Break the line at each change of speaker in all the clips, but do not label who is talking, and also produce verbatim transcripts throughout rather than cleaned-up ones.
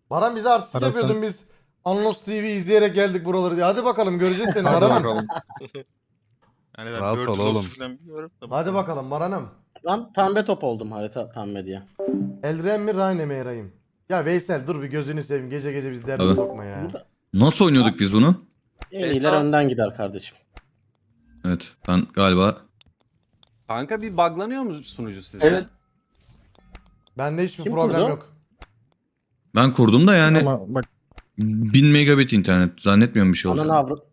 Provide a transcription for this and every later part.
Baran bize artistik
Arasın.
yapıyordun biz. Anlos T V izleyerek geldik buraları diye. Hadi bakalım göreceğiz seni
Hadi
Baran'ım.
bakalım.
Yani ben
Rahat ol
Virtual
oğlum.
Olsun falan biliyorum da.
Hadi bakalım Baran'ım.
Ben pembe top oldum harita pembe diye.
Elren mi Rayne mi Eray'ım? Ya Veysel dur bir gözünü seveyim. Gece gece biz derde
Tabii.
sokma ya.
Burada
Nasıl oynuyorduk biz bunu?
en iyiler önden gider kardeşim.
Evet ben galiba
Kanka bir buglanıyor mu sunucu sizce?
Evet.
Bende hiçbir
Kim
problem
kurdu?
yok.
ben kurdum da yani
Ama bak
bin megabit internet zannetmiyorum bir şey
Ananı
olacak.
avrat.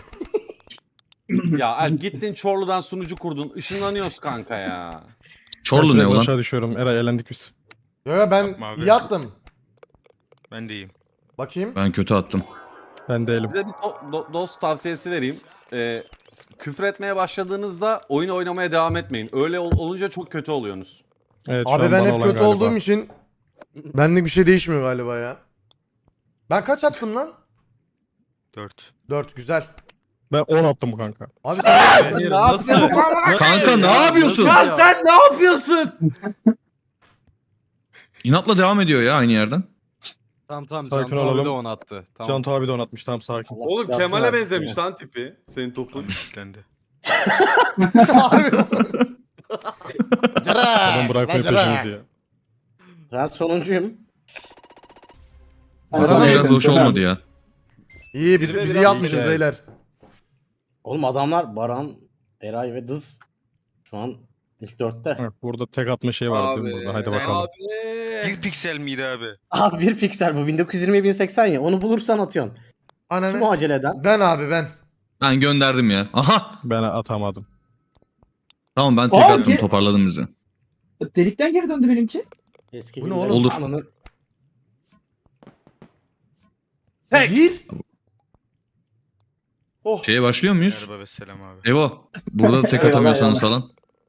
Ya Alp gittin Çorlu'dan sunucu kurdun. Işınlanıyoruz kanka ya.
Çorlu
ben
ne
sürekli
ulan?
aşağı düşüyorum. Eray elendik biz.
Yo yo ben
Yapma abi.
iyi attım.
Ben de iyiyim.
Bakayım.
Ben kötü attım.
Ben değilim.
Size bir do- do- dost tavsiyesi vereyim. Ee, küfür etmeye başladığınızda oyun oynamaya devam etmeyin. Öyle ol- olunca çok kötü oluyorsunuz.
Evet, şu
Abi
an
ben
bana
hep
olan
kötü
galiba.
olduğum için benlik bir şey değişmiyor galiba ya. Ben kaç attım lan?
dört.
dört güzel.
Ben on attım kanka.
Abi sen
ne yapıyorsun?
Kanka ne yapıyorsun?
Ya sen ne yapıyorsun?
İnatla devam ediyor ya aynı yerden.
Tamam tamam
Sakin
Can abi
olalım.
de on attı. Tamam.
Can Tabi de on atmış. Tamam sakin.
Allah
Oğlum
belasını
Kemal'e
versin
benzemiş
ya.
lan tipi. Senin topun.
Lan kilitlendi.
Adam bırakmıyor peşimizi ya.
Ben sonuncuyum.
Baran
Bu
abi,
biraz hoş olmadı ya.
İyi biz,
Zirve
biz
biraz
iyi atmışız
iyi.
beyler.
Oğlum adamlar Baran, Eray ve Dız şu an ilk dörtte.
Bak, burada tek atma şey var değil mi burada? Haydi
ben-
bakalım.
Bir piksel miydi abi?
Abi bir piksel bu bin dokuz yüz yirmi bin seksen ya onu bulursan atıyorsun. Kim o
Ananı.
acele eden?
Ben abi ben.
Ben gönderdim ya. Aha.
Ben atamadım.
Tamam ben tek
Aa,
attım
ge-
toparladım bizi.
Delikten geri döndü benimki.
Eski
Bu ne
günlerin
oğlum?
Olur.
ananı-
Tek.
Gir.
Oh.
Şeye başlıyor muyuz?
Merhaba ve selam abi.
Evo. Burada tek atamıyorsanız falan.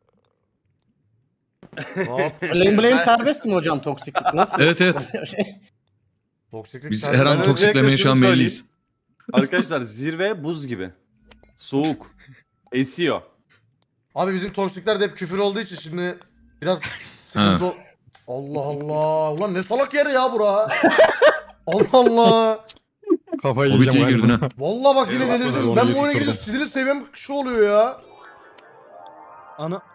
Hop.
Blame blame serbest mi hocam toksiklik nasıl?
Evet evet.
Şey,
Toksiklik
Biz
serbest.
her an
Ben
toksiklemeye
öncelikle
şu an
şunu
meyilliyiz.
Arkadaşlar zirve buz gibi. Soğuk. Esiyor.
Abi bizim toksikler de hep küfür olduğu için şimdi biraz sıkıntı. ol- Allah Allah. Ulan ne salak yer ya bura. Allah Allah.
Kafayı
O
yiyeceğim
bitiye girdin
galiba.
ha.
Vallahi bak yine
Eyvah,
delirdim.
orayı
Ben bu oyuna
tutturdum.
girince sinir seviyem şu oluyor ya.
Ana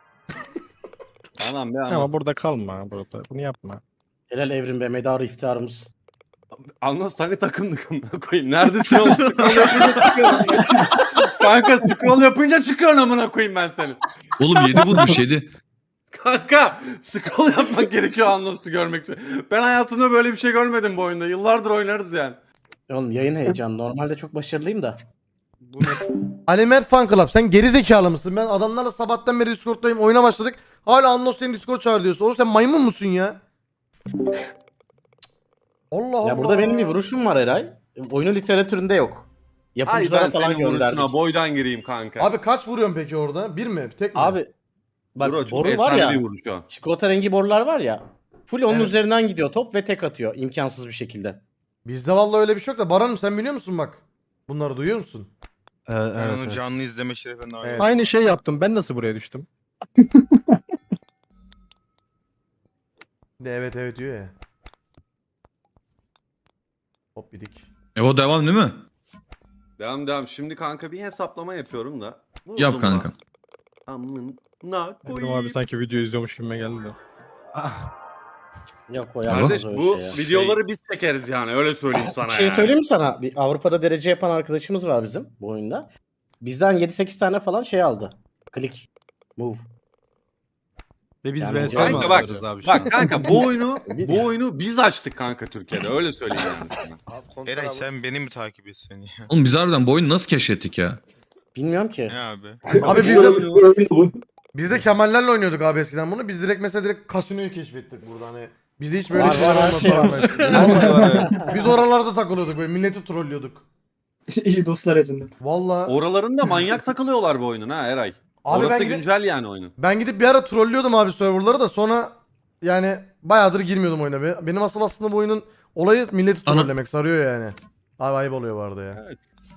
Anam be anam.
Ama burada kalma. Burada. Bunu yapma.
Helal evrim be medarı iftiharımız.
Anlas hani takımdık amına koyayım. Neredesin oğlum? Scroll yapınca çıkıyorum. Kanka scroll yapınca çıkıyorsun amına koyayım ben seni.
Oğlum yedi vurmuş yedi.
Kanka scroll yapmak gerekiyor Anlas'ı görmek için. Ben hayatımda böyle bir şey görmedim bu oyunda. Yıllardır oynarız yani.
Oğlum yayın heyecanı. Normalde çok başarılıyım da.
bu ne?
Ali Mert Fan Club sen geri zekalı mısın? Ben adamlarla sabahtan beri Discord'dayım oyuna başladık. Hala Anlos seni Discord çağır diyorsun. Oğlum sen maymun musun ya? Allah Allah.
Ya burada benim bir vuruşum var Eray. Oyunun literatüründe yok.
Ay
Yapımcılara
ben
falan
senin
gönderdik.
vuruşuna boydan gireyim kanka.
Abi kaç vuruyorsun peki orada? Bir mi? Tek mi?
Abi bak
Bro, çok
boru var
efsane
ya.
bir vuruş o.
Çikolata rengi borular var ya. Full onun
Evet.
üzerinden gidiyor top ve tek atıyor imkansız bir şekilde.
Bizde vallahi öyle bir şey yok da Baran'ım sen biliyor musun bak? Bunları duyuyor musun?
Evet,
Ben
evet,
onu
evet.
canlı izleme şerefine nail
Evet.
oldum.
Aynı şey yaptım. Ben nasıl buraya düştüm?
De evet evet diyor ya. Hop bidik.
Evo devam değil mi?
Devam devam. Şimdi kanka bir hesaplama yapıyorum da. Vurdum
Yap
lan.
kanka.
Amına
Evrim
koyayım.
abi sanki video izliyormuş gibime geldi de.
Yok o
Kardeş
yapmaz öyle
bu
şey ya.
videoları biz çekeriz yani öyle söyleyeyim sana
Bir şey
yani.
söyleyeyim mi sana? Bir Avrupa'da derece yapan arkadaşımız var bizim bu oyunda. Bizden yedi sekiz tane falan şey aldı. Klik. Move.
Ve biz
Yani
V S
kanka
mi
bak,
atıyoruz abi şu an?
Bak kanka bu oyunu
Bir-
bu oyunu biz açtık kanka Türkiye'de öyle söyleyeyim yani sana.
Eray sen beni mi takip etsen ya?
Oğlum biz harbiden bu oyunu nasıl keşfettik ya?
Bilmiyorum ki.
Ne abi?
Abi biz de, biz de Kemallerle oynuyorduk abi eskiden bunu. Biz direkt mesela direkt kasinoyu keşfettik burada hani. Bizde hiç böyle
Var,
şeyler
var, her şey
olmadı. Vallahi. Biz oralarda takılıyorduk böyle milleti trollüyorduk.
İyi dostlar edindim.
Vallahi.
Oralarında manyak takılıyorlar bu oyunun ha Eray.
Abi
Orası
ben gidip,
güncel yani oyunun.
ben gidip bir ara trollüyordum abi serverları da sonra yani bayağıdır girmiyordum oyuna. Be- Benim asıl aslında bu oyunun olayı milleti
Ana-
trollemek sarıyor yani. Abi ayıp oluyor bu arada ya.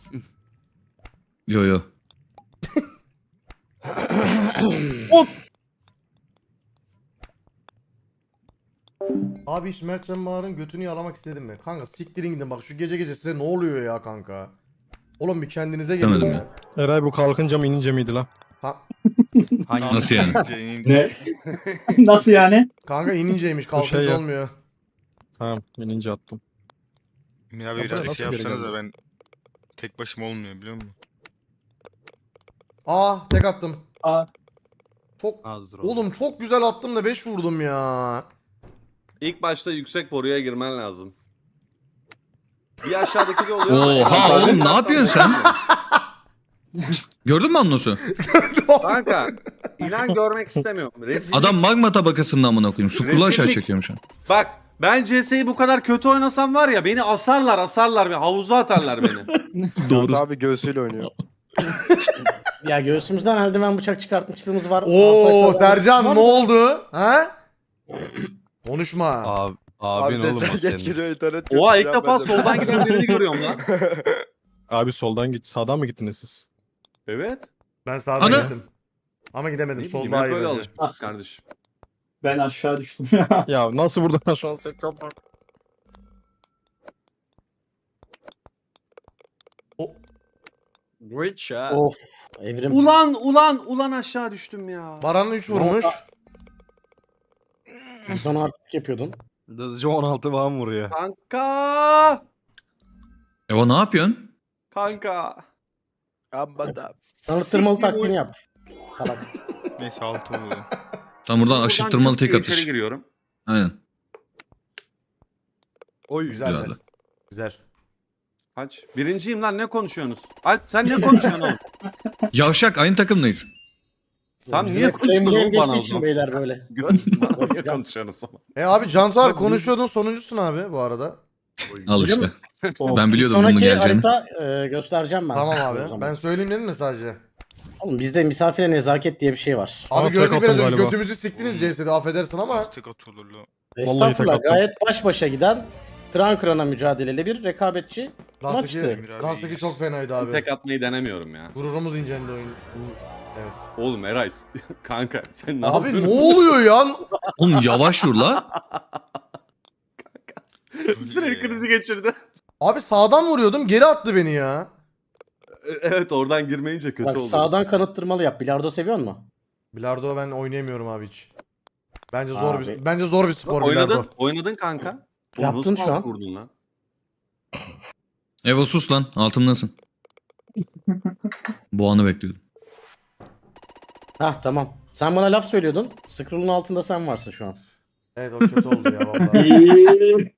Yo yo.
Abi hiç Mert Can Bağır'ın götünü yalamak istedim mi? Kanka siktirin gidin bak şu gece gece size ne oluyor ya kanka? Oğlum bir kendinize gelin
Demedim
ya.
Eray bu kalkınca mı inince miydi lan?
Ha,
Hangi?
Nasıl yani?
Ne? Nasıl yani?
kanka ininceymiş kalkınca
şey ya.
olmuyor.
Tamam inince attım.
Emir abi
Ya
biraz
buraya
şey
nasıl geri
yapsanız da
geldi?
ben tek başıma olmuyor biliyor musun?
Aa tek attım.
Aa,
Çok
Azdır
oğlum çok güzel attım da beş vurdum ya.
İlk başta yüksek boruya girmen lazım. Bir aşağıdaki de oluyor.
Oha oğlum ne yapıyorsun sen? Gördün mü Annos'u?
Kanka inan görmek istemiyorum. Rezillik.
Adam magma tabakasında amına koyayım. Sukulu aşağı
Rezillik.
çekiyorum şu an.
Bak ben C S'yi bu kadar kötü oynasam var ya beni asarlar asarlar. Havuza atarlar beni.
Doğru.
Abi göğsüyle oynuyor.
Ya göğsümüzden eldiven bıçak çıkartmışlığımız var.
Oo
Arkadaşlar,
Sercan
var
ne
mı?
oldu? Ha? Konuşma.
Abi, abin oğlum o senin.
internet.
Oha ilk defa soldan giden birini görüyorum lan.
Abi soldan git. Sağdan mı gittiniz siz?
Evet.
Ben sağdan
Ana!
gittim. Ama gidemedim.
Ne
Sol
bileyim
daha
hep
iyi
öyle
bence.
alışmışız kardeşim.
ben aşağı düştüm ya.
Ya nasıl buradan şu an sekram var?
Witcher.
Of. Evrim.
Ulan ulan ulan aşağı düştüm ya.
Baran üç vurmuş.
Sen artistik yapıyordun.
Hızlıca on altı falan vuruyor.
Kanka.
Eva ne yapıyorsun?
Kanka.
Tanıttırmalı
Siktir
taktiğini
bu-
yap. Salak.
Neyse altı oluyor.
Tam buradan
Buradan
aşırttırmalı
çık
tek
diye
atış.
içeri giriyorum.
Aynen.
Oy.
Güzel.
Güzeldi.
Güzel.
Kaç? Birinciyim lan ne konuşuyorsunuz? Alp sen ne konuşuyorsun oğlum?
Yavşak aynı takımdayız.
Tam
Bizim
niye
de flame
konuştun
blame
oğlum bana
geçtiği
o
için
zaman?
beyler böyle.
Göt. Bana niye
Biraz-
konuşuyorsunuz o zaman?
E abi Cantu abi konuşuyordun sonuncusun abi bu arada.
Al
Öyle
işte.
mi?
Ben
Bir
biliyordum bunun
sonraki
geleceğini.
harita e, göstereceğim ben.
Tamam
O
abi.
zaman.
Ben söyleyeyim dedim mi sadece?
Oğlum bizde misafire nezaket diye bir şey var.
Abi
Aa, tek
gördük
attım
biraz önce
galiba.
götümüzü siktiniz C S'de affedersin ama.
Tek atılır lan.
Estağfurullah
tek attım.
gayet baş başa giden kıran kırana mücadeleli bir rekabetçi
Lastaki,
maçtı.
Emir abi
Lastaki
iyiyiz.
çok fenaydı abi.
Tek atmayı denemiyorum ya.
Gururumuz incendi oyun. Evet.
Oğlum Eray kanka sen ne
Abi
yapıyorsun?
ne oluyor ya?
Oğlum yavaş vur la.
Sinir krizi geçirdi.
Abi sağdan vuruyordum geri attı beni ya.
Evet oradan girmeyince kötü
Bak
oldu.
sağdan kanıttırmalı yap. Bilardo seviyor musun?
Bilardo ben oynayamıyorum abi hiç. Bence zor
Abi.
bir bence zor bir spor
Oynadın,
bilardo.
oynadın kanka.
Yaptın
Nasıl
şu an.
Vurdun lan.
Eva sus lan. Altımdasın. Bu anı bekliyordum.
Hah tamam. Sen bana laf söylüyordun. Scroll'un altında sen varsın şu an.
Evet o kötü oldu ya vallahi.
İyi.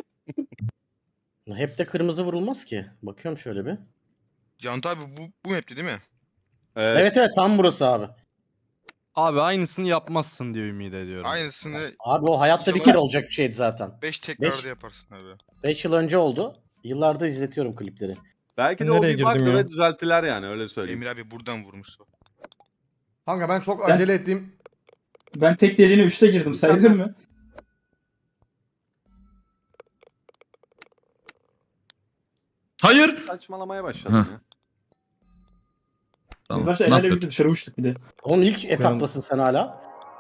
Hep de kırmızı vurulmaz ki. Bakıyorum şöyle bir.
Cantu abi bu, bu map'ti değil mi?
Evet.
Evet evet tam burası abi.
Abi aynısını yapmazsın diye ümit ediyorum.
Aynısını
Abi o hayatta bir kere olacak bir şeydi zaten.
beş tekrarda
Beş.
yaparsın abi.
beş yıl önce oldu. Yıllardır izletiyorum klipleri.
Belki de o
Nereye
bir bug
girdim ya?
ve düzelttiler yani öyle söyleyeyim.
Emir abi buradan vurmuş.
Kanka ben çok
Ben-
acele ettim.
Ben tek deliğine üçte girdim sayılır mı?
Hayır.
Saçmalamaya başladım
Heh.
ya.
Bir
Tamam.
başta
Ne
el ele
yaptın?
birlikte dışarı uçtuk bir de.
Oğlum ilk etaptasın sen hala.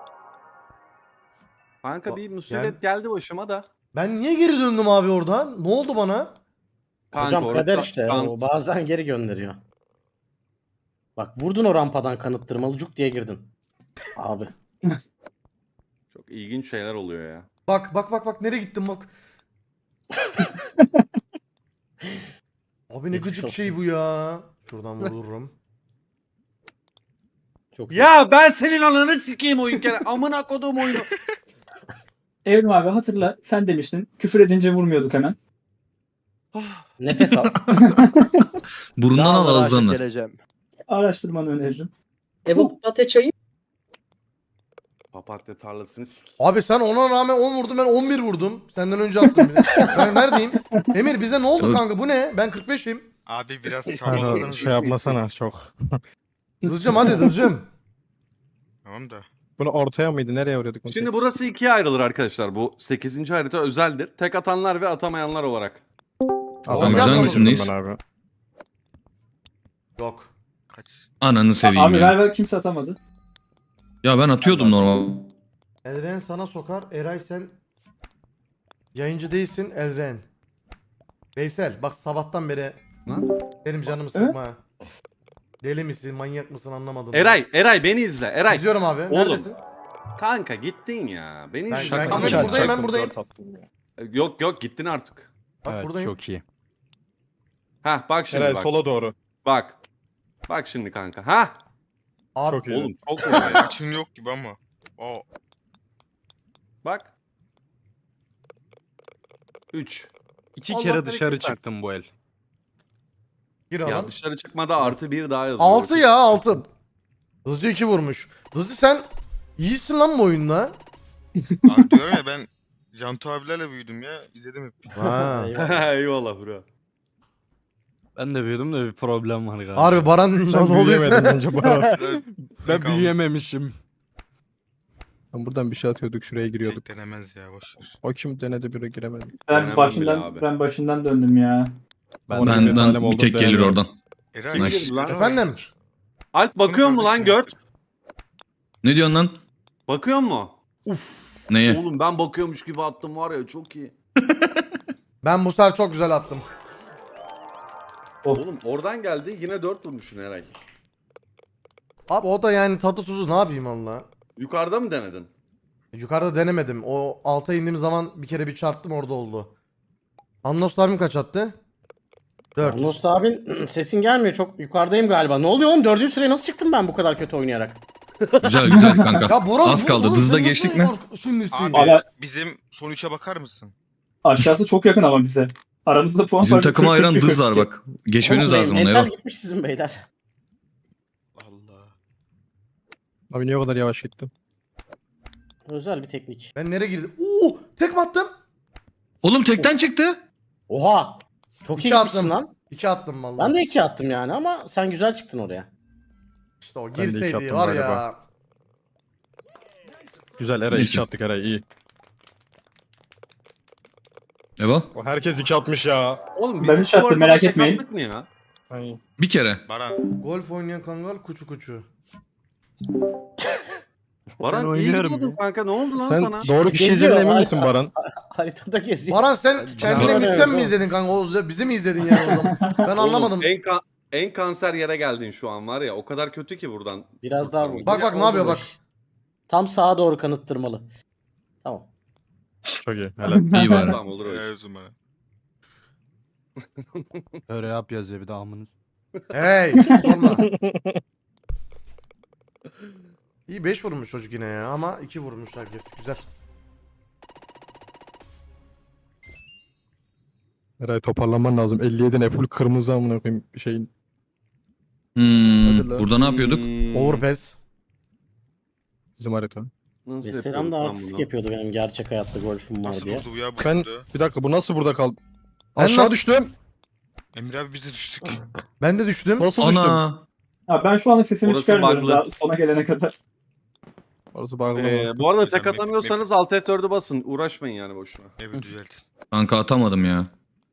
Kanka bir musibet geldi başıma da.
Ben niye geri döndüm abi oradan? Ne oldu bana?
Kanka
Hocam
orası
kader işte.
şans.
O bazen geri gönderiyor. Bak vurdun o rampadan kanıttırmalı cuk diye girdin. Abi.
Çok ilginç şeyler oluyor ya.
Bak bak bak bak nereye gittim bak. Abi ne
Geçmiş
gıcık
olsun.
şey bu ya. Şuradan vururum.
Çok iyi.
Ya ben senin ananı sikeyim oyun kere. Amına kodum oyunu.
Evrim abi hatırla sen demiştin küfür edince vurmuyorduk hemen.
Nefes al.
Burundan al ağızdan da.
Araştırmanı öneririm.
Ebu Pate çayı.
Papatya tarlasını sik.
Abi sen ona rağmen on vurdun ben on bir vurdum. Senden önce attım bir de. Ben neredeyim? Emir bize ne oldu
Dur.
kanka bu ne? Ben kırk beşim.
Abi biraz
Kanka
çabaladınız.
şey yapmasana çok.
Hızlıcım hadi hızlıcım.
Tamam da.
Bunu ortaya mıydı? Nereye vuruyorduk? bunu?
Şimdi burası ikiye ayrılır arkadaşlar. Bu sekizinci harita özeldir. Tek atanlar ve atamayanlar olarak.
Tamam,
Tamam,
güzel
yapmadım
misindeyiz?
Ben abi.
Yok.
Kaç?
Ananı seveyim
Abi
ya.
ver ver kimse atamadı.
Ya ben atıyordum normal.
Eren sana sokar. Eray sen Yayıncı değilsin Elren. Veysel bak sabahtan beri benim canımı sıkma. ha. Deli misin, manyak mısın anlamadım.
Eray, Eray beni izle. Eray.
İzliyorum abi.
Oğlum.
Neredesin?
Kanka gittin ya. Beni
Ben-
izle.
ben-
Tamam.
ben
Çak-
buradayım, ben
çak-
buradayım.
tatlım ya.
Yok yok gittin artık.
Bak
Evet
buradayım.
çok iyi.
Hah bak şimdi
Eray
bak.
sola doğru.
Bak. Bak şimdi kanka. Hah.
Abi,
Çok iyi.
Oğlum çok vuruyor ya.
Açın yok gibi ama. Aa.
Bak. üç.
İki
Allah
kere
bereket
dışarı
versin.
çıktım bu el.
gir
Ya
oğlum.
dışarı çıkmada artı bir daha yazıyor.
altı ya altı. Hızlı iki vurmuş. Hızlı sen iyisin lan bu oyunda.
Abi diyorum ya ben Cantu abilerle büyüdüm ya. İzledim hep.
Ha.
Eyvallah bro.
Ben de büyüdüm de bir problem var galiba.
Harbi Baran ne
Sen
oluyor?
büyüyemedin bence Baran.
ben
Kalmış.
büyüyememişim.
Ben buradan bir şey atıyorduk şuraya giriyorduk.
Tek denemez ya boş ver.
O kim denedi biri giremedi.
Ben
Önemli bile
başından
abi.
ben başından döndüm ya.
Ben,
Ona
Ben,
bir talim
ben
oldu,
bir tek gelir
denemiyorum.
oradan.
Eray.
Nice.
gir lan.
Efendim?
Alp bakıyor mu lan
kardeşim
Gört?
yaptı.
Ne diyorsun lan?
Bakıyor mu?
Neye?
Oğlum ben bakıyormuş gibi attım var ya çok iyi.
Ben bu sefer çok güzel attım.
Oğlum oradan geldi yine dört vurmuşsun Eray.
Abi o da yani tadı tuzu ne yapayım Allah.
Yukarıda mı denedin?
Yukarıda denemedim. O alta indiğim zaman bir kere bir çarptım orada oldu. Annos abim kaç attı? dört.
Nost abin sesin gelmiyor. Çok yukarıdayım galiba. Ne oluyor oğlum? Dördüncü sıraya nasıl çıktım ben bu kadar kötü oynayarak?
Güzel güzel kanka.
Ya Burak,
Az
bu-
kaldı.
bu-
Dızda
sen
geçtik
nasıl
mi?
or- Şimdisi.
Abi
Abi-
bizim son üçe bakar mısın?
Aşağısı çok yakın ama bize. Aramızda puan
Bizim
farkı
takıma
kırk,
ayıran
kırk,
dız
kırk
var
iki.
bak. Geçmeniz
Oğlum,
lazım ona
mental
Ero.
gitmiş sizin beyler.
Allah.
Abi niye o kadar yavaş gittin?
Özel bir teknik.
Ben nereye girdim? Oo, tek mi attım?
Oğlum tekten çıktı.
Oha! Çok iyi
İki
gitmişsin
attım.
lan.
İki attım vallahi.
Ben de iki attım yani ama sen güzel çıktın oraya.
İşte o
Ben de iki
girseydi
attım
var
galiba.
ya.
Güzel Eray
Neyse.
iki attık Eray iyi.
Ebo.
O herkes iki atmış ya.
Oğlum
Ben
biz
üç attım,
ortada
merak
tek
etmeyin.
attık mı ya?
Ay.
Bir kere.
Baran.
Golf oynayan kangal kuçu kuçu.
Baran iyi
oynuyorum
gidiyordun
ya.
kanka ne oldu lan
Sen
sana?
doğru kişi
Geziyor,
izlediğine emin
ay-
misin Baran?
Haritada geziyor.
Baran sen kendine
Baran-
bizden mi izledin kanka? O bizi mi izledin yani o zaman? Ben anlamadım.
Oğlum, en, ka- en kanser yere geldin şu an var ya o kadar kötü ki buradan.
Biraz daha vur.
Bak, bak, ne yapıyor, bak.
Tam sağa doğru kanıttırmalı. Tamam.
Çok iyi. Helal.
İyi bari.
Tamam olur öyle.
Helal olsun bana.
Öyle yap yazıyor bir de amınız.
Hey sorma. İyi beş vurmuş çocuk yine ya ama iki vurmuş herkes. Güzel.
Eray toparlanman lazım. elli yedi ne full kırmızı amına koyayım şeyin.
Hmm,
Hadi lan.
burada ne yapıyorduk?
Hmm,
Overpass.
Bizim harita.
Nasıl
Selam
yapıyorduk
da
lan
artistik
bunu?
yapıyordu benim gerçek hayatta golfüm var
Nasıl
diye.
buldu bu ya bu
Ben-
burada?
Bir dakika bu nasıl burada kaldı?
Ben
Aşağı
nasıl-
düştüm.
Emre abi biz de düştük.
Ben de düştüm.
Nasıl düştüm?
Ana.
Ha, ben şu anda sesimi
Orası
çıkarmıyorum
bug'lı.
daha sona gelene kadar.
Orası bağlı.
Ee, bu arada tek
Map-
atamıyorsanız alt F dördü basın. Uğraşmayın yani boşuna.
Evet düzelt.
Kanka atamadım ya.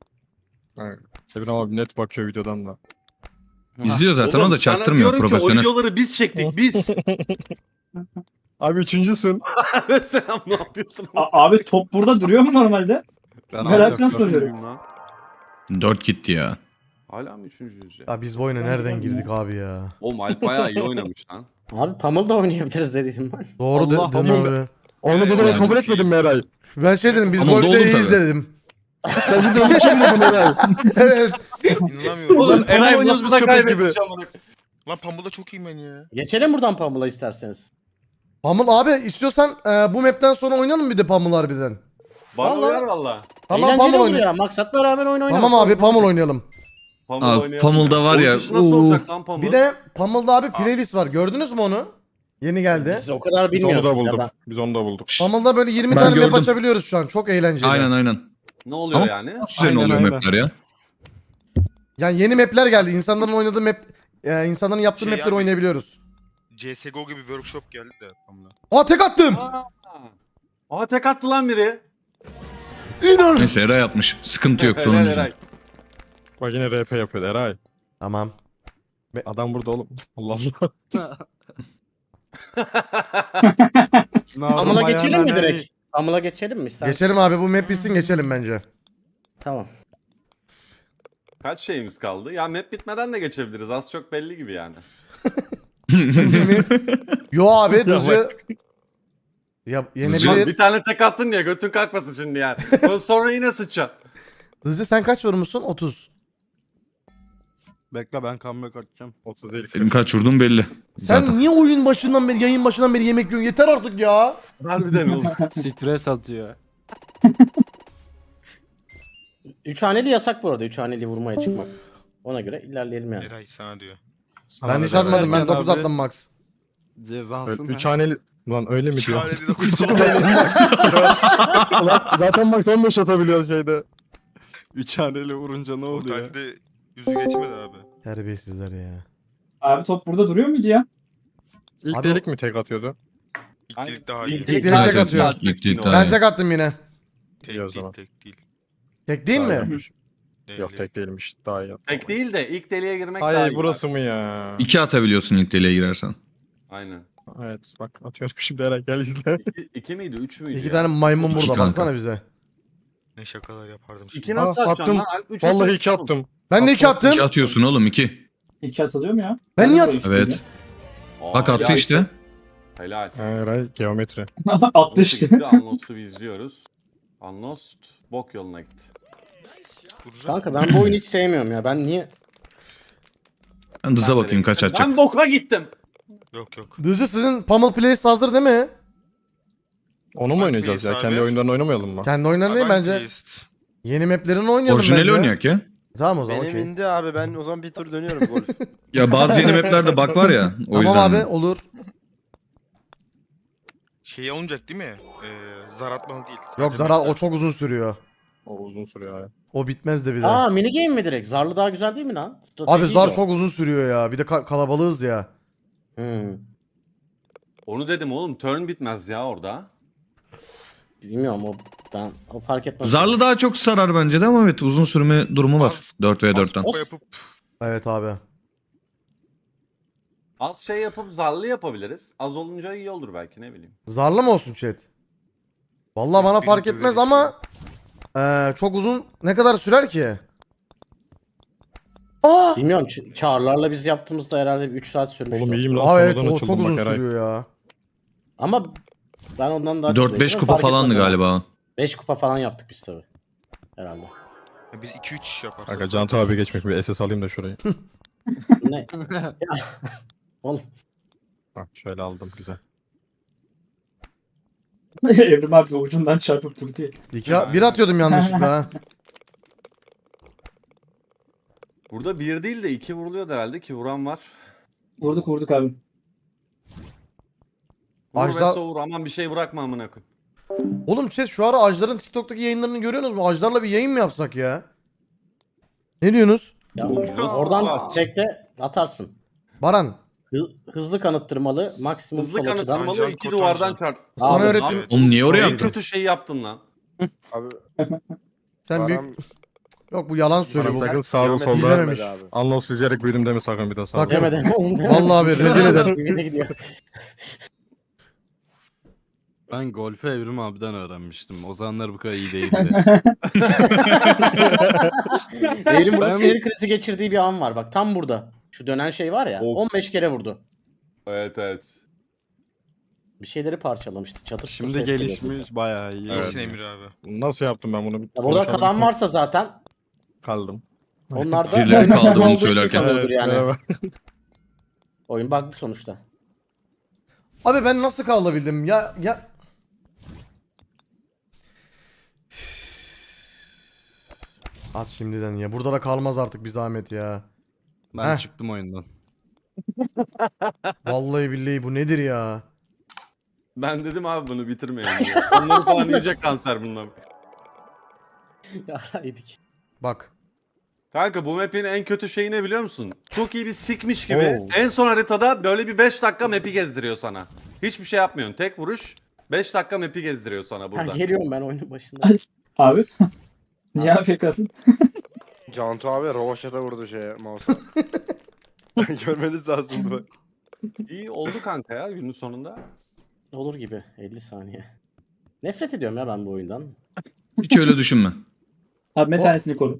Sevin abi net bakıyor videodan da.
İzliyor zaten
Oğlum,
o da
sana
çaktırmıyor
diyorum ki,
profesyonel.
o videoları biz çektik biz.
Abi üçüncüsün.
Selam ne yapıyorsun?
A- abi top burada duruyor mu normalde?
Ben
Meraktan
alacak-
soruyorum.
Lan.
Dört gitti ya.
Hala mı üçüncüyüz ya?
Ya biz bu oyuna nereden girdik abi ya?
Oğlum Alp bayağı iyi oynamış lan.
Abi Pummel da oynayabiliriz dediydim ben.
Doğru
Allah
dedin
Allah.
abi.
Onu
Evet,
bunu
evet.
kabul etmedin mi Eray?
Ben şey dedim biz
Ama
golfte
doğru
iyiyiz
tabii.
dedim.
Sen videonun için mi dedin Eray?
Evet.
İnanamıyorum.
Oğlum,
Oğlum
Eray
Eray
oynuyoruz
nasıl
biz
da
köpek gibi.
kaybetmiş amına.
Lan Pambul'da çok iyiyim ben ya.
Geçelim buradan Pummel'a isterseniz.
Pamul abi istiyorsan e, bu map'ten sonra oynayalım bir de Pamul harbiden.
Bana
Vallahi.
uyar valla.
Tamam
Eğlenceli
Pamul
olur
oynayalım.
ya. Maksat beraber oyun oynayalım.
Tamam abi Pamul oynayalım.
Pamul
Abi,
oynayalım
Pamul'da var
Oyun
ya,
dışı nasıl
uu.
olacak lan Pamul?
Bir de Pamul'da abi playlist var. Gördünüz mü onu? Yeni geldi.
Biz o kadar
Biz onu da
bilmiyoruz ya
bulduk.
da.
Biz onu da bulduk.
Pamul'da böyle yirmi
Ben
tane map
gördüm.
açabiliyoruz şu an. Çok eğlenceli.
Aynen aynen.
Ne oluyor
Ama-
yani?
Üzerine
Aynen,
oluyor
aynen.
mapler ya.
Yani yeni map'ler geldi. İnsanların oynadığı map, e, insanların yaptığı
Şey
map'leri
abi-
oynayabiliyoruz.
C S G O gibi workshop geldi de Pambul'a.
Aa tek attım.
Aa, Aa tek attı lan biri.
İnan.
Neyse Eray atmış. Sıkıntı yok
Helal
sonuncu.
Eray.
Bak yine R P yapıyor Eray.
Tamam.
Adam burada oğlum. Allah Allah.
Pummel'a geçelim mi direkt? Amına geçelim mi istersen?
Geçelim abi, bu map bitsin geçelim bence.
Tamam.
Kaç şeyimiz kaldı? Ya map bitmeden de geçebiliriz. Az çok belli gibi yani.
Yo abi düzce... Ya
Can,
yenebilir.
bir tane tek attın ya götün kalkmasın şimdi yani. Ondan sonra yine sıçacaksın.
Düzce sen kaç vurmuşsun? otuz.
Bekle ben comeback atacağım.
otuz değil.
Benim kaç vurdum belli.
Sen
Zaten.
niye oyun başından beri, yayın başından beri yemek yiyorsun? Yeter artık ya.
Harbiden oğlum.
Stres atıyor.
Üç haneli yasak bu arada. Üç haneli vurmaya çıkmak. Ona göre ilerleyelim yani.
Eray sana diyor.
Ben hiç
da-
atmadım, ben
Erken
dokuz
abi.
attım max.
Cezasın.
Üç haneli... Lan öyle mi diyor?
Çareli dokuz.
Ulan zaten Max on beş atabiliyor şeyde.
Üç haneli vurunca ne oluyor?
Totalde yüzü geçmedi abi.
Terbiyesizler ya.
Abi top burada duruyor muydu ya?
İlk
Abi-
delik mi tek atıyordu?
İlk
Aynen.
delik daha
İlk
iyi.
İlk
delik
delik
Evet,
tek
evet,
atıyor.
ilk delik
Ben
daha
Ben
iyi.
tek attım yine.
Tek
İyi o
değil,
zaman.
tek değil.
Tek değil mi?
Hayır.
Değil,
Yok
değil.
tek değilmiş. Daha iyi.
Tek değil de ilk deliğe girmek daha
Ay
iyi.
burası mı ya?
İki atabiliyorsun ilk deliğe girersen.
Aynen.
Evet bak atıyorum şimdi Eren gel izle.
İki, iki miydi? Üç müydü
İki
ya?
tane maymun
İki
burada,
kanka.
baksana bize.
Ne şakalar yapardım şimdi.
İki nasıl
Aa,
atacaksın
attım.
lan? Alp üç
Vallahi
atıyor.
iki attım.
Ben de iki
Attım.
attım.
İki atıyorsun oğlum iki.
İki atılıyor mu ya?
Ben niye
de
atayım?
böyle
Evet.
Aa,
Bak attı
helal.
işte.
Helal.
Eray geometri.
Attı
Attı
işte.
gitti. Unlost'u izliyoruz. Unlost bok yoluna gitti.
Vuracak.
Kanka ben bu oyunu hiç sevmiyorum ya. Ben niye...
Ben hıza
Ben de
bakayım kaç
gittim.
atacak.
Ben boka gittim.
Yok yok.
Düzce sizin Pummel Playlist hazır değil mi?
Onu mu
Hangi
oynayacağız ya?
abi?
Kendi oyunlarını oynamayalım mı?
Kendi oyunları değil
Abi
bence.
playlist.
Yeni maplerini oynayalım
Orijinali
bence.
oynayak ya.
Tamam o zaman
Benim
okey.
indi abi, ben o zaman bir tur dönüyorum golf.
Ya bazı yeni maplerde bug var ya. O
Tamam
yüzden.
abi olur.
Şey olmayacak değil mi? Ee, zar atmalı değil.
Yok
Sadece
Zara o
mapler.
çok uzun sürüyor.
O uzun sürüyor ya.
O bitmez de bir de.
Aa mini game mi direkt? Zarlı daha güzel değil mi lan?
Abi
Stratejiydi
zar
o.
çok uzun sürüyor ya. Bir de ka- kalabalığız ya.
Hmm.
Onu dedim oğlum. Turn bitmez ya orada.
Bilmiyorum o ben o fark etmez.
Zarlı daha çok sarar bence de ama evet uzun sürme durumu var.
Az-
dört ve
Az
dörtten.
kupa yapıp
Evet abi.
Az şey yapıp zarlı yapabiliriz. Az olunca iyi olur belki ne bileyim.
Zarlı mı olsun chat? Vallahi bana
Biri
fark
döverim
etmez
şu
ama eee, çok uzun ne kadar sürer ki? Aa!
Bilmiyorum ç- çağrılarla biz yaptığımızda herhalde bir üç saat sürmüştü.
Oğlum iyiyim lan
Aa evet
sonradan
o çok
açıldım
uzun
bak Eray.
sürüyor ya.
Ama ben ondan daha
dört beş kupa falandı galiba.
beş kupa falan yaptık biz tabi. Herhalde.
Ya biz iki üç yaparsak.
Kanka Cantu abi geçmek bir S S alayım da şurayı.
Ne? Ya, Oğlum
Bak şöyle aldım güzel.
Evrim abi ucundan çarpıp durdu diye.
İki, bir atıyordum yanlışlıkla ha.
Burada bir değil de iki vuruluyor herhalde ki vuran var.
Vurduk vurduk abi.
Vur
Ajda-
ve soğur aman bir şey bırakma amına koyayım.
Oğlum chat şu ara Ajdar'ın TikTok'taki yayınlarını görüyorsunuz mu? Ajdar'la bir yayın mı yapsak ya? Ne diyorsunuz?
ya
Nasıl
oradan
var?
tekte atarsın.
Baran.
Hı- hızlı kanıttırmalı maksimum
Hızlı
sol açıdan.
kanıtlanmalı
Tanjant,
iki
kotanjant.
duvardan çarp.
Sana
Abi,
öğrettim.
abi.
Oğlum niye oraya
En
attın?
kötü şeyi yaptın lan.
Abi
Sen büyük...
Baran
Yok bu yalan söylüyor.
Baran
Bu.
sakın sağda
geometri
solda
İzlememiş.
görmedi abi.
Anlos izleyerek büyüdüm deme sakın bir daha sağda.
Sakın.
Demeden.
Vallahi abi rezil eder.
Yine gidiyor.
Ben golfü Evrim abiden öğrenmiştim. O zamanlar bu kadar iyi değildi.
Evrim burada
Ben-
sinir krizi geçirdiği bir an var. Bak tam burada. Şu dönen şey var ya.
Of.
on beş kere vurdu.
Evet evet.
Bir şeyleri parçalamıştı. Çatır çutur
Şimdi
ses geliyordu.
gelişmiş bayağı iyi.
İyisin Emir abi.
Nasıl yaptım ben bunu? Bir
Ya burada
konuşalım.
kalan varsa zaten
Kaldım.
onlar da
Birileri
oyunun
kaldı bunu
olduğu için
söylerken.
kalıyordur
Evet,
yani.
merhaba.
Oyun bug'lı sonuçta.
Abi ben nasıl kalabildim? Ya ya At şimdiden ya. Burada da kalmaz artık bir zahmet ya.
Ben
Heh.
çıktım oyundan.
Vallahi billahi bu nedir ya?
Ben dedim abi bunu bitirmeyelim diye. Onları falan yiyecek kanser bunlar.
Ya yedik.
Bak.
Kanka bu map'in en kötü şeyi ne biliyor musun? Çok iyi bir sikmiş gibi.
Oo.
En son haritada böyle bir beş dakika map'i gezdiriyor sana. Hiçbir şey yapmıyorsun. Tek vuruş beş dakika map'i gezdiriyor sana
Ha,
burada.
geliyorum ben oyunun başında.
Abi. Niye afk'sın?
Cantu abi rovaşata vurdu şeye mouse'a. Görmeniz lazımdı bak.
İyi oldu kanka ya günün sonunda.
Olur gibi elli saniye. Nefret ediyorum ya ben bu oyundan.
Hiç öyle düşünme.
Abi bir
O-
tanesini koru.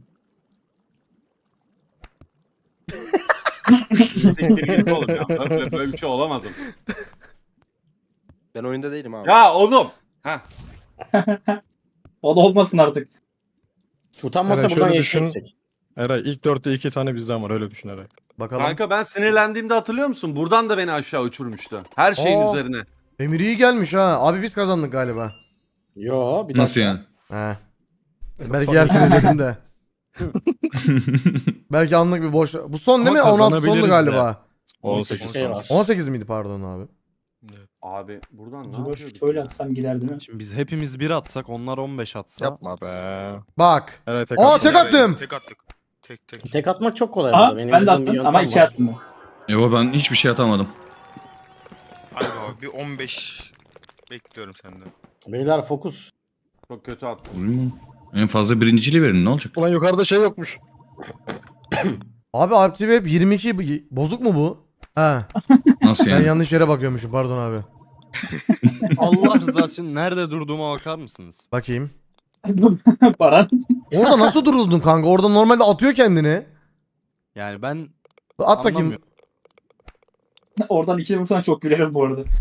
Siktir git oğlum ya. Böyle, böyle bir şey olamaz. ama.
Ben oyunda değilim abi.
Ya oğlum. Heh.
O da olmasın artık.
Utanmasa
Evet,
buradan
şöyle
yeşil
düşün.
çek.
Eray ilk dörtte iki tane bizden var öyle düşün Eray.
Bakalım.
Kanka ben sinirlendiğimde hatırlıyor musun? Buradan da beni aşağı uçurmuştu. Her şeyin
Aa.
üzerine.
Emir iyi gelmiş ha. Abi biz kazandık galiba.
Yo bir
Nasıl
dakika.
yani?
He. Belki yersiniz dedim de. Belki anlık bir boş. Bu son değil mi?
Ama
on altı sondu
kazanabiliriz
galiba.
on sekiz.
Şey var.
on sekiz miydi pardon abi?
Abi buradan ne
Acaba
yapıyorduk?
şöyle
ya?
atsam gider değil mi?
Şimdi biz hepimiz bir atsak onlar on beş atsa.
Yapma be.
Bak.
Eray tek
Aa
attı.
tek attım.
Tek attık. Tek tek.
Tek atmak çok kolay
Aa
burada. Benim
ben de
bildiğim bir
attım ama
yöntem
iki
var.
attım.
Yo ben hiçbir şey atamadım.
Hadi abi bir on beş bekliyorum senden.
Beyler fokus.
Çok kötü attım.
Bilmiyorum. En fazla birinciliği verin ne olacak?
Ulan yukarıda şey yokmuş.
Abi Active Web yirmi iki bozuk mu bu? Ha.
Nasıl
Ben
yani?
yanlış yere bakıyormuşum pardon abi.
Allah rızası için nerede durduğuma bakar mısınız?
Bakayım.
Baran.
Orada nasıl duruldun kanka? Orada normalde atıyor kendini.
Yani ben
At bakayım.
anlamıyorum.
Oradan iki vursan çok gülerim bu arada.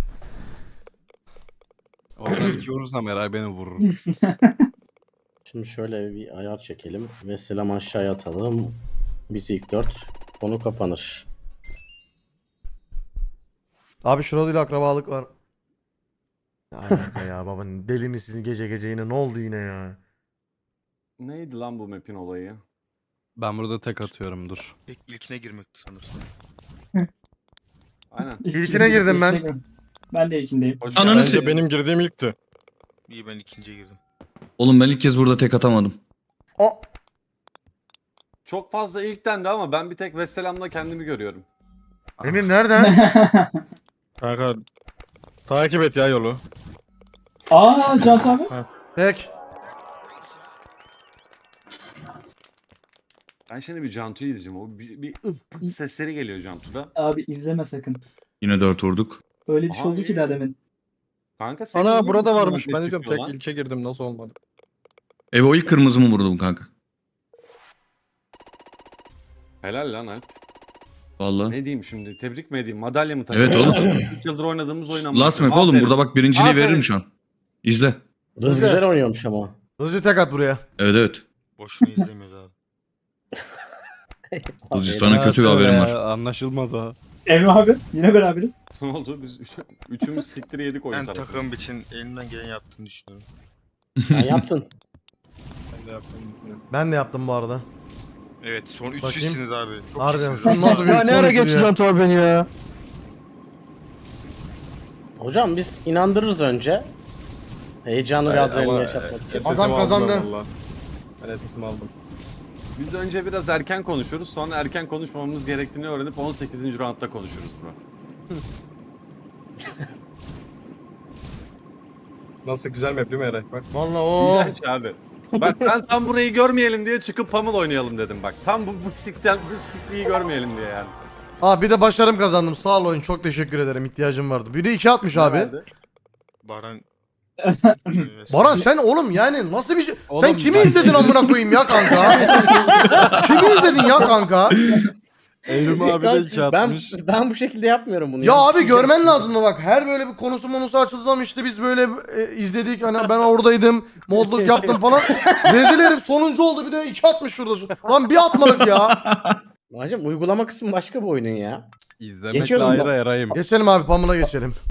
Oradan iki vurursam Eray beni vurur.
Şimdi şöyle bir ayar çekelim. Ve selam aşağıya atalım. Biz ilk dört. Konu kapanır.
Abi şurada akrabalık var. Ne alaka ya baba deli misiniz gece gece yine ne oldu yine ya?
Neydi lan bu map'in olayı?
Ben burada tek atıyorum dur.
İlk, ilkine girmekti sanırsam.
Aynen.
İlkine girdim ben.
Ben de ilkindeyim.
Hoş
Ananı
geldin.
se-
Bence benim girdiğim ilkti.
İyi ben ikinciye girdim.
Oğlum ben ilk kez burada tek atamadım.
O
Çok fazla ilkten de ama ben bir tek Vesselam'la kendimi görüyorum.
Emir nereden?
Kanka takip et ya yolu.
Aa Can abi.
Tek.
Ben şimdi bir Cantu'yu izleyeceğim. O bir, bir ıh pıh sesleri geliyor Cantu'da.
Abi izleme sakın.
Yine dört vurduk.
Öyle bir şey
Aha,
oldu ki
iyi.
daha demin.
Kanka senin
Ana
niye
burada
bu
varmış.
kadar
Ben
ses
de diyorum
çıkıyor
tek
lan?
ilke girdim nasıl olmadı.
Ev o ilk kırmızı mı vurdum kanka?
Helal lan Alp.
Vallahi.
Ne diyeyim şimdi? Tebrik mi edeyim? Madalya mı takayım?
Evet oğlum.
İlk yıldır oynadığımız oyun ama.
Last map oğlum burada bak birinciliği
Aferin.
veririm şu an. İzle.
Rız güzel oynuyormuş ama.
Hızlıca tek at buraya.
Evet evet.
Boşuna izlemiyoruz abi.
Hızlı sana kötü bir
Ya,
haberim var.
Anlaşılmadı ha.
Emre abi yine beraberiz.
Ne oldu? Biz üç, üçümüz siktir yedik oyun
Ben
tarafı.
takım için elimden gelen yaptığını düşünüyorum.
Sen yaptın.
Ben de yaptım bu arada.
Evet son üç
Bakayım.
sizsiniz abi. Çok
Harbiden
iyisiniz.
şu nasıl bir
Ya ne ara
sonuç bu ya?
geçeceğim tabi beni ya.
Hocam biz inandırırız önce. Heyecanı ve adrenalini yaşatmak için.
Adam kazandı.
Ben esasımı aldım.
Biz önce biraz erken konuşuruz. Sonra erken konuşmamamız gerektiğini öğrenip on sekizinci roundda konuşuruz bro.
Nasıl güzel map değil mi Eray? Bak.
Vallahi o.
İğrenç abi. Bak ben tam burayı görmeyelim diye çıkıp Pummel oynayalım dedim bak. Tam bu bu sikten bu sikliği görmeyelim diye yani.
Aa bir de başarım kazandım. Sağ ol oyun. Çok teşekkür ederim. İhtiyacım vardı. Biri iki atmış abi.
Nerede?
Baran.
Baran sen oğlum yani nasıl bir şey? sen
Oğlum,
kimi
ben-
izledin amına koyayım ya kanka? kimi izledin ya kanka?
Evrim abi de iki
ben,
atmış.
ben bu şekilde yapmıyorum bunu.
Ya abi
Siz
görmen
yapın.
lazım mı bak her böyle bir konusu monusu açıldığı zaman işte biz böyle e, izledik hani ben oradaydım modluk yaptım falan. Rezil herif sonuncu oldu bir de iki atmış şurada. Lan bir atmadık ya.
Hocam uygulama kısmı başka bir oyunun ya.
İzlemekle
Geçiyoruz mu?
ayrı Eray'ım.
Geçelim abi Pamela geçelim.